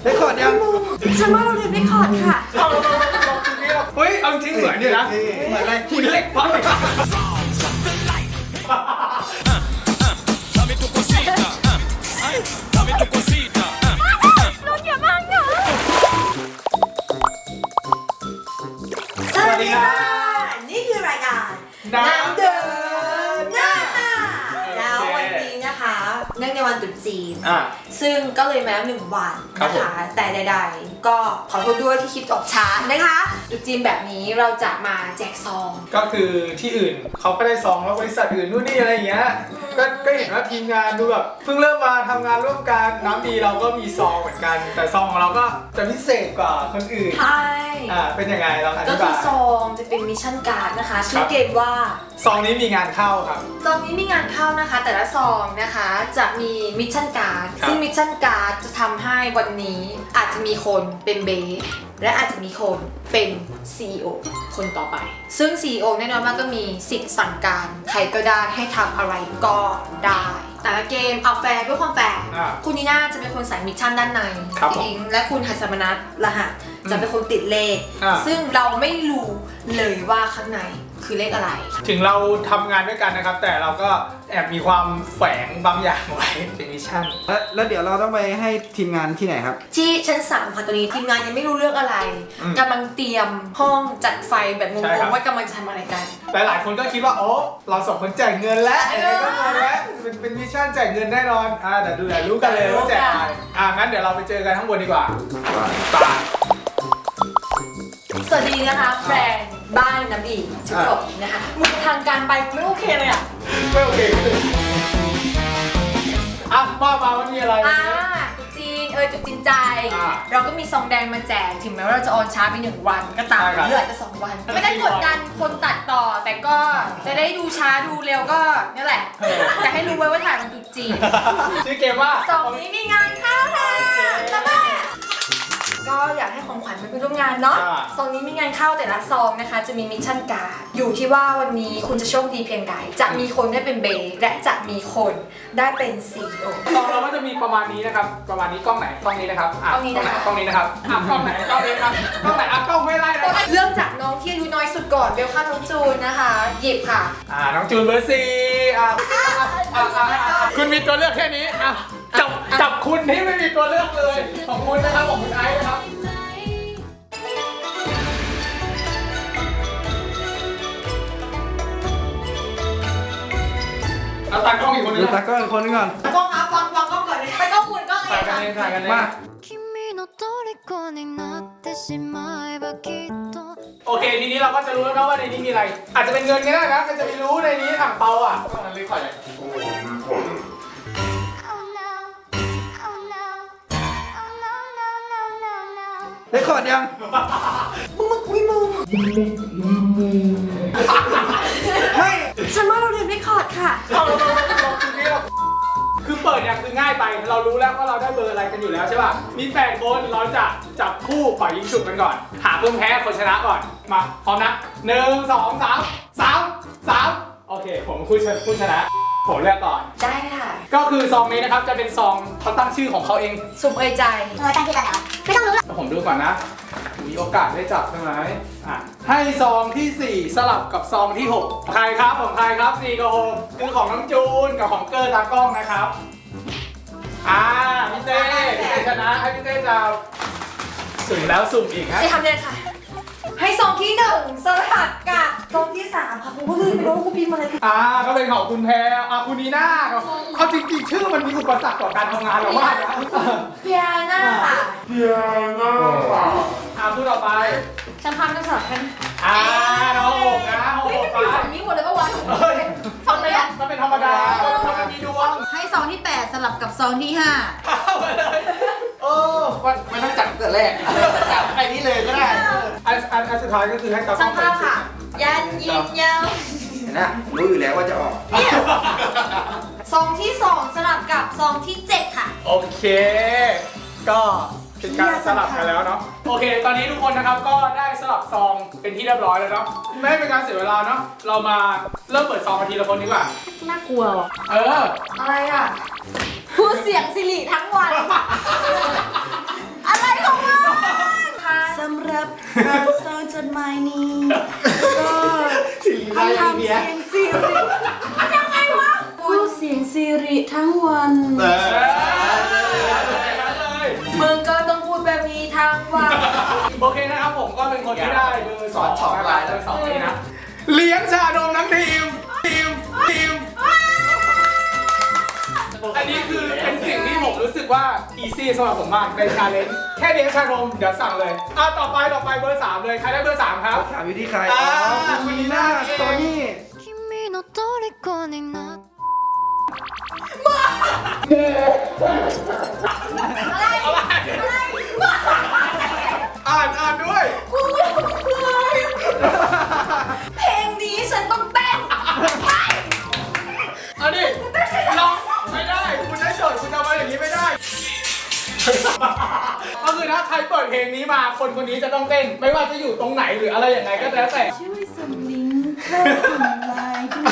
ได้คอร์ดยังฉันว่าเราเรียนได้คอร์ดค่ะเฮ้ยเอาจริงเหมือนนี่นะเหมือนอะไรหินเหล็กไฟสวัสดีค่ะนี่คือรายการน้ำเดินหน้าแล้ววันนี้นะคะเนื่องในวันตรุษจีนซึ่งก็เลยมาแล้ว1 วันนะคะแต่ใดๆก็ขอโทษด้วยที่คลิปออกช้านะคะตรุษจีนแบบนี้เราจะมาแจกซองก็คือที่อื่นเขาก็ได้ซองแล้วบริษัทอื่นนู่นนี่อะไรอย่างเงี้ยก็เห็นว่าทีมงานดูแบบเพิ่งเริ่มมาทำงานร่วมกันน้ำดีเราก็มีซองเหมือนกันแต่ซองของเราก็จะพิเศษกว่าคนอื่นใช่เป็นยังไงเราอธิบายก็คือซองจะเป็นมิชชั่นการ์ดนะคะชื่อเกมว่าซองนี้มีงานเข้าครับซองนี้มีงานเข้านะคะแต่ละซองนะคะจะมีมิชชั่นการ์ดซึ่งมิชชั่นการ์ดจะทำให้วันนี้อาจจะมีคนเป็นเบสและอาจจะมีคนเป็น CEO คนต่อไปซึ่ง CEO แน่นอนว่าก็มีสิทธิ์สั่งการใครก็ได้ให้ทำอะไรก็ได้แต่ละเกมเอาแฟร์ด้วยความแฟร์คุณนีน่าจะเป็นคนใส่มิชชั่นด้านในจริงและคุณหัสมนัสรหัสจะเป็นคนติดเลขซึ่งเราไม่รู้เลยว่าข้างในคือเลขอะไรถึงเราทำงานด้วยกันนะครับแต่เราก็แอบมีความแฝงบางอย่างไว้เป็นมิชชั่นแล้วเดี๋ยวเราต้องไปให้ทีมงานที่ไหนครับที่ชั้น3ค่ะตอนนี้ทีมงานยังไม่รู้เรื่องอะไรกำลังเตรียมห้องจัดไฟแบบงงๆว่ากำลังจะทำอะไรกันแต่หลายคนก็คิดว่าโอ้เราสองคนแจกเงินแล้วก็เงินแล้วเป็นมิชชั่นแจกเงินแน่นอนแต่ดูแลรู้กันเลยว่าแจกอะไรงั้นเดี๋ยวเราไปเจอกันข้างบนดีกว่าสวัสดีนะคะแฟนบ้านน้ำดีทุกคนนะคะมึงทางการไปไม่โอเคเลยอ่ะไม่โอเคมาวันนี้อะไรจุดจีนจุดจีนใจเราก็มีซองแดงมาแจกถึงแม้ว่าเราจะออนช้าไป1 วันก็ตามเลือดจะ2 วันไม่ได้กดดันคนตัดต่อแต่ก็จะได้ดูช้าดูเร็วก็นี่แหละแต่ให้รู้ไว้ว่าถ่ายวันจุดจีนชื่อเกมว่าซองนี้มีงานเข้าค่ะแล้วก็อยากให้ของขวัญไปร่วมงานเนาะซองนี้มีงานเข้าแต่ละซองนะคะจะมีมิชชั่นการ์ดอยู่ที่ว่าวันนี้คุณจะโชคดีเพียงใดจะมีคนได้เป็นเบย์และจะมีคนได้เป็น CEO ซองเราก็จะมีประมาณนี้นะครับประมาณนี้กล้องไหนกล้องนี้นะครับกล้องนี้นะคะกล้องนี้นะครับกล้องไหนกล้องนี้ครับกล้องไหนกล้องไม่ไล่นะเริ่มจากน้องที่อายุน้อยสุดก่อนเบลค่าน้องจูนนะคะหยิบค่ะน้องจูนเบอร์ 4คุณมีตัวเลือกแค่นี้จับคุณที่ไม่มีตัวเลือกเลยของคุณนะครับของคุณไอซ์นะครับเอาตากล้องอีกคนนึงตากล้องอีกคนนึงก่อนกล้องครับวางกล้องก่อนเลยไปกล้องคุณกล้องเองถ่ายกันเลยมาโอเคทีนี้เราก็จะรู้แล้วนะว่าในนี้มีอะไรอาจจะเป็นเงินก็ได้นะก็จะไม่รู้ในนี้ถังเปาก็มันลึกกว่าเลยได้คอร์ดยังมึงคุยมึงไม่ฉันว่าเราเรียนได้คอร์ดค่ะคือเปิดเนี่ยคือง่ายไปเรารู้แล้วว่าเราได้เบอร์อะไรกันอยู่แล้วใช่ป่ะมี8 คนเราจะจับคู่ปล่อยยิงฉุบกันก่อนหาคนแพ้คนชนะก่อนมาพร้อมนะ1 2 3 โอเคผมผู้ชนะผมเลือกก่อนได้ค่ะก็คือซองนี้นะครับจะเป็นซองเขาตั้งชื่อของเขาเองสุ่มเอยใจตั้งชื่อกันเหรอไม่ต้องรู้หรอกผมดูก่อนนะมีโอกาสได้จับใช่ไหมให้ซองที่4สลับกับซองที่6ใครครับของใครครับ4กับ6คือของน้องจูนกับของเกอร์ตากล้องนะครับพี่เต้ชนะให้พี่เต้จะสุ่มแล้วสุ่มอีกฮะจะทำเนี่ยค่ะให้ซองที่1สลับกับซองที่3ค่ะผมก็ลืมไปว่าคุณพิมพ์อะไรก็เป็นของคุณแพรคุณนีน่าเขาจริงๆชื่อมันมีอุปสรรคต่อการทำงานเรามากนะเพียน่าค่ะพูดต่อไปฉันพาไปสอบกันน้องหกนะเฮ้ยมันอยู่ฝั่งนี้หมดเลยปะวะฝั่งนี้มันเป็นธรรมดามันมีดวงให้ซองที่8สลับกับซองที่5 ไปเลยไม่ต้องจับแต่แรกจับไอ้นี้เลยก็ได้อันสุดท้ายก็คือให้ตากล้องไปค่ะยันยิงยาวนะรู้อยู่แล้วว่าจะออกซองที่2สลับกับซองที่7ค่ะโอเคก็เป็นการสลับกันแล้วเนาะโอเคตอนนี้ทุกคนนะครับก็ได้สลับซองเป็นที่เรียบร้อยแล้วเนาะไม่เป็นการเสียเวลาเนาะเรามาเริ่มเปิดซองกันทีละคนดีกว่าน่ากลัวว่ะอะไรพูดเสียงสิริทั้งวันอะไรสำหรับการส่งจดหมายนี้ก็สิริราชทำเบียเสียงซีริยังไงวะพูดเสียงซีริทั้งวันมึงก็ต้องพูดแบบนี้ทั้งวันโอเคนะครับผมก็เป็นคนที่ได้เบอร์2นะครับเบอร์2นี้นะเลี้ยงชานมทั้งทีมอันนี้คือเป็นสิ่งที่ผมรู้สึกว่าอีซี่สำหรับผมมากในชาเลนจ์แค่เลี้ยงชานมเดี๋ยวสั่งเลยต่อไปเบอร์3เลยใครได้เบอร์3ครับถามอยู่ที่ใครคุณนีน่าโทนี่君の虜になってอ่านด้วยเพลงนี้ฉันต้องเต้นเอาดิลองไม่ได้คุณได้โจทย์คุณทำมาอย่างนี้ไม่ได้ ก็คือถ้าใครเปิดเพลงนี้มาคนคนนี้จะต้องเต้น ไม่ว่าจะอยู่ตรงไหนหรืออะไรอย่างไรก็แล้วแต่ช่วยส่งลิงก์เข้าทำลายด้วย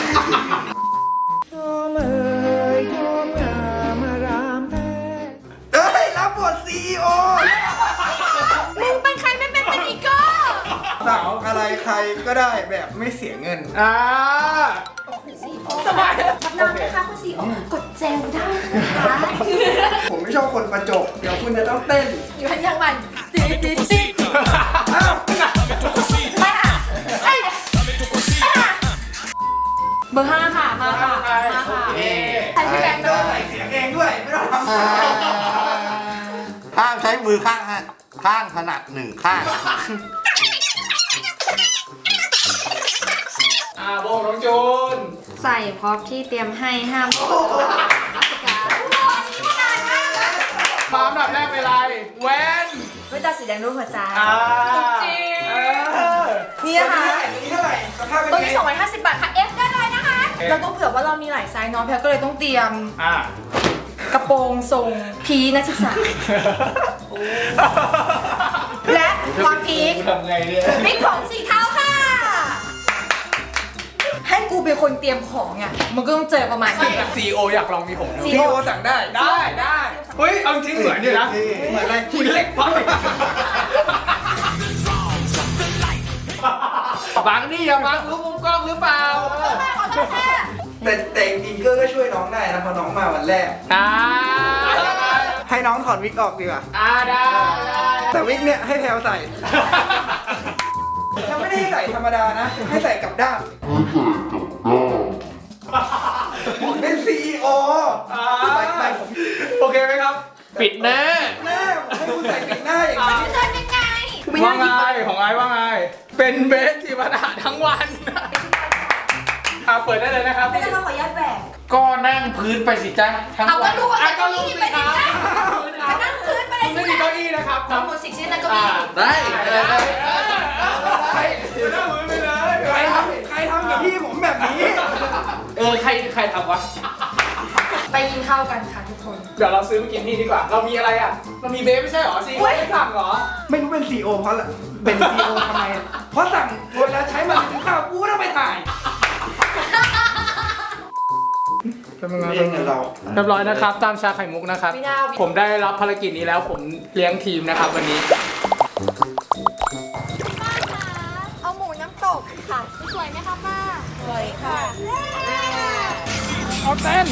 เอ้ยรับบทซีอีโอมึงเป็นใครไม่เป็นอีกก็สั่งอะไรใครก็ได้แบบไม่เสียเงินสบายนอนไหมคะคุณซีโอกดเจลได้นะคะผมไม่ชอบคนประจบ เดี๋ยวคุณจะต้องเต้นอยู่ทันยังมันตีตีอ้าวมาเอ้ยเบอร์5ค่ะมาค่ะมาค่ะใครพี่แบงค์ด้วยใส่เสียงเองด้วย ไม่ต้องทำห้ามใช้มือข้างถนัดหนึ่งข้างโบน้องจูนใส่พร็อพที่เตรียมให้ห้ามมาอันดับแรกเป็นไรแวนไม่ตาสีแดงรูปหัวใจจริงนี่นะคะนี่เท่าไหร่สภาพเป็นตัวไงนี้250 บาทค่ะ F ได้เลยนะคะ เราต้องเผื่อว่าเรามีหลายไซส์เนาะแพลก็เลยต้องเตรียมกระโปรงทรงพีนักศึกษา และความพีคทำไงเนี่ยพริกผงสีเทาค่ะ ให้กูเป็นคนเตรียมของอ่ะมันก็ต้องเจอประมาณนี้ซีโออยากลองมีผมนะซีโอสั่งได้ได้เฮ้ยเอาจริงเหมือนเนี่ยนะเหมือนอะไรคุณเล็กพักบังนี่อย่าบังรู้มุมกล้องหรือเปล่าแต่จริงๆก็ช่วยน้องได้นะเพราะน้องมาวันแรก ให้น้องถอดวิกออกดีกว่าได้แต่วิกเนี่ยให้แพลวใส่ ยังไม่ได้ให้ใส่ธรรมดานะ ให้ใส่กลับด้านผมเป็นซีอีโอไปผมโอเคไหมครับ ปิดแน่หน้าผมให้คุณใส่ปิดหน้าอย่างนี้เจอยังไงว่าไงของไอ้ว่าไง เป็นเบสที่ปัญหาทั้งวันเปิดได้เลยนะครับไม่ได้เราขออนุญาตแหวกก็นั่งพื้นไปสิจ๊ะทั้งเอาวัก็นดูว่าก็รู้สิครับไปนั่งพื้นไปเลยไม่มีเก้าอี้นะครับทั้งหมด10ชิ้นนั่นก็มีได้นั่งพื้นไปเลยใครทำกับพี่ผมแบบนี้ใครทำวะไปกินข้าวกันค่ะทุกคนเดี๋ยวเราซื้อมากินที่ดีกว่า เรามีอะไรอ่ะ เรามีเบสไม่ใช่หรอซีไม่สั่งหรอไม่รู้เป็นซีโอเพราะอะไรเป็นซีโอทำไม เพราะสั่งเวลาใช้มันกินข้าวกูต้องไปถ่ายเองเราเรียบร้อยนะครับ ตามชาไข่มุกนะครับไม่น่าผมได้รับภารกิจนี้แล้วผมเลี้ยงทีมนะครับวันนี้เอาหมูน้ำตกค่ะสวยไหมคะป้าสวยค่ะเอาเต้น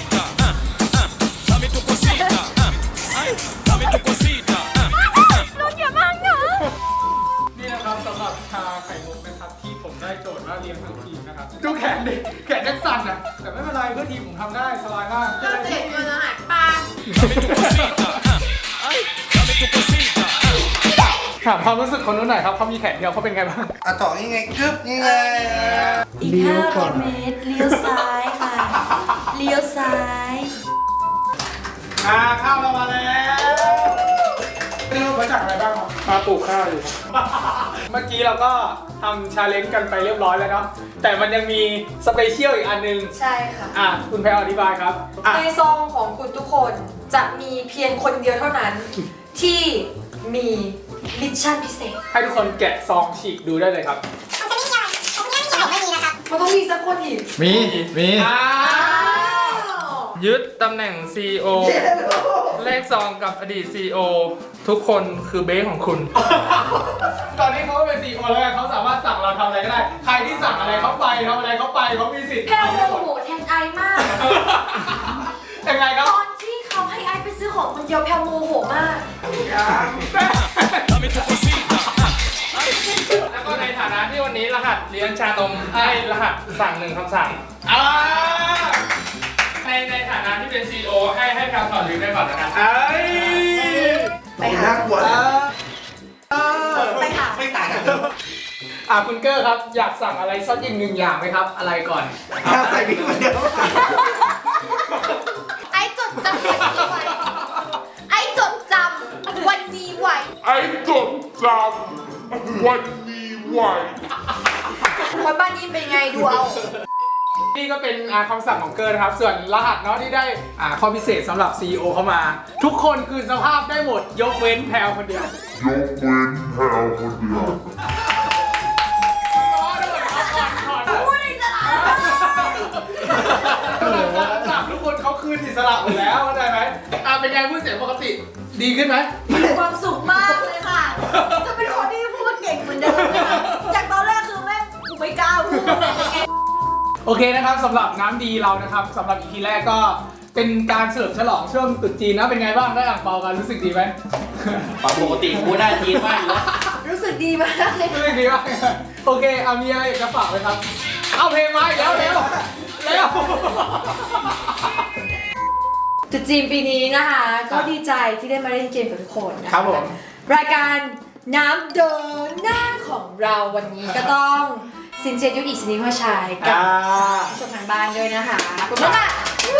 รถเยอะมากเนอะนี่นะครับสำหรับชาไข่มุกนะครับที่ผมได้โจทย์ว่าเลี้ยงทั้งทีมนะครับดูแขนดิแขนยังสั่นนะแต่ไม่เป็นไรเพื่อทีมผมทำได้สบายมากเราเสร็จเงินอาหารปลาถามความรู้สึกคนนู้นหน่อยครับเขามีแขนเดียวเขาเป็นไงบ้างอ่ะต่อนี่ไงกึ๊บนี่ไงอีก500 เมตรเลี้ยวซ้ายค่ะ เลี้ยวซ้ายข้าวเรามาแล้วไม่รู้มาจากอะไรบ้างครับมาปลูกข้าวอยู่เมื่อกี้เราก็ทำชาเลนจ์กันไปเรียบร้อยแล้วเนาะแต่มันยังมีสเปเชียลอีกอันนึงใช่ค่ะคุณแพรอธิบายครับในซองของคุณทุกคนจะมีเพียงคนเดียวเท่านั้น ที่มีมิชชั่นพิเศษให้ทุกคนแกะซองฉีกดูได้เลยครับมันต้องมีสักคนอีกมีอ้าวยึดตำแหน่ง CEO เลขซองกับอดีต CEO ทุกคนคือเบสของคุณตอนนี้เขาเป็นCEOแล้วไงเขาสามารถสั่งเราทำอะไรก็ได้ ใครที่สั่งอะไรเขาไปทำอะไรเขาไปเขามีสิทธิ์แพลวโมโหแทนไอมากยังไงครับตอนที่เขาให้ไอไปซื้อของคนเดียวแพลวโมโหมากแล้วก็ในฐานะที่วันนี้รหัสเลี้ยงชานมให้รหัสสั่งหนึ่งคำสั่งอ่าในฐานะที่เป็น CEO ให้คำถอดลืมได้ก่อนนะครับเอ้ยไปหาน่ากลัวเลยไปหาไม่ต่างกันคุณเกอร์ครับอยากสั่งอะไรสักอย่างหนึ่งอย่างไหมครับ อะไรก่อนข้าวใส่พริกคนเดียวไอจดจำวันนี้ไว้ไอจดจำวันนี้ไว้ไอ้จดจำวันนี้ไว้คนบ้านนี้เป็นไงดูเอานี่ก็เป็นคำสั่งของเกอร์นะครับ ส่วนรหัสเนาะที่ได้ข้อพิเศษสำหรับ CEO เข้ามา ทุกคนคือสภาพได้หมดยกเว้นแพลวคนเดียวยกเว้นแพลคนเดียวพูดอิสระจับทุกคนเขาคืนอิสระหมดแล้วเข้าใจไหมเป็นไงพูดเสียงปกติดีขึ้นไหมมีความสุขมากเลยค่ะ จะเป็นคนที่พูดเก่งเหมือนเดิมเลยค่ะจากตอนแรกคือแม่งกูไม่กล้าพูดเลยไงโอเคนะครับสำหรับน้ำดีเรานะครับสำหรับ EP แรกก็เป็นการเฉลิมฉลองช่วงตรุษจีนนะเป็นไงบ้างได้อ่างเปากันรู้สึกดีไหมปกติกูได้จีนมากอยู่แล้วรู้สึกดีมากเลยรู้สึกดีมากโอเคมีอะไรอยากจะฝากไหมครับ เอาเพลงมาอีกแล้วเร็วจุดจีนปีนี้นะคะ ก็ดีใจที่ได้มาเล่นเกมกับทุกคนนะะครับผมรายการน้ำเดินหน้าของเราวันนี้ก็ต้องสินเจยุทธอิสนิมชัยกับผู้ชมทางบ้านด้วยนะคะขอบคุณมาก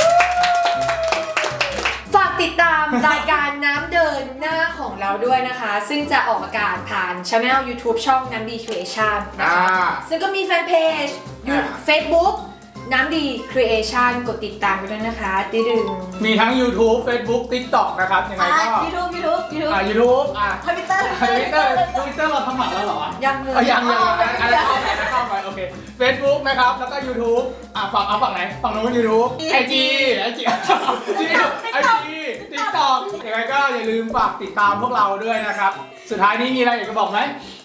ฝากติดตามรายการน้ำเดินหน้าของเราด้วยนะคะ ซึ่งจะออกอากาศผ่านช่อง YouTube ช่องน้ำดี Creation นะคะ ซึ่งก็มีแฟนเพจอยู่ Facebook น้ำดี Creation กดติดตามกันด้วยนะคะติดึงมีทั้ง YouTube Facebook TikTok นะครับยังไงก็ YouTube YouTube Twitter Twitter เราทำหมันแล้วเหรอยังเลยยังอะไรเข้าไปโอเค Facebook นะครับแล้วก็ YouTube ฝั่งไหนฝั่งนู้น YouTube IG TikTok ยังไงก็อย่าลืมฝากติดตามพวกเราด้วยนะครับสุดท้ายนี้มีอะไรอยากจะบอกไหม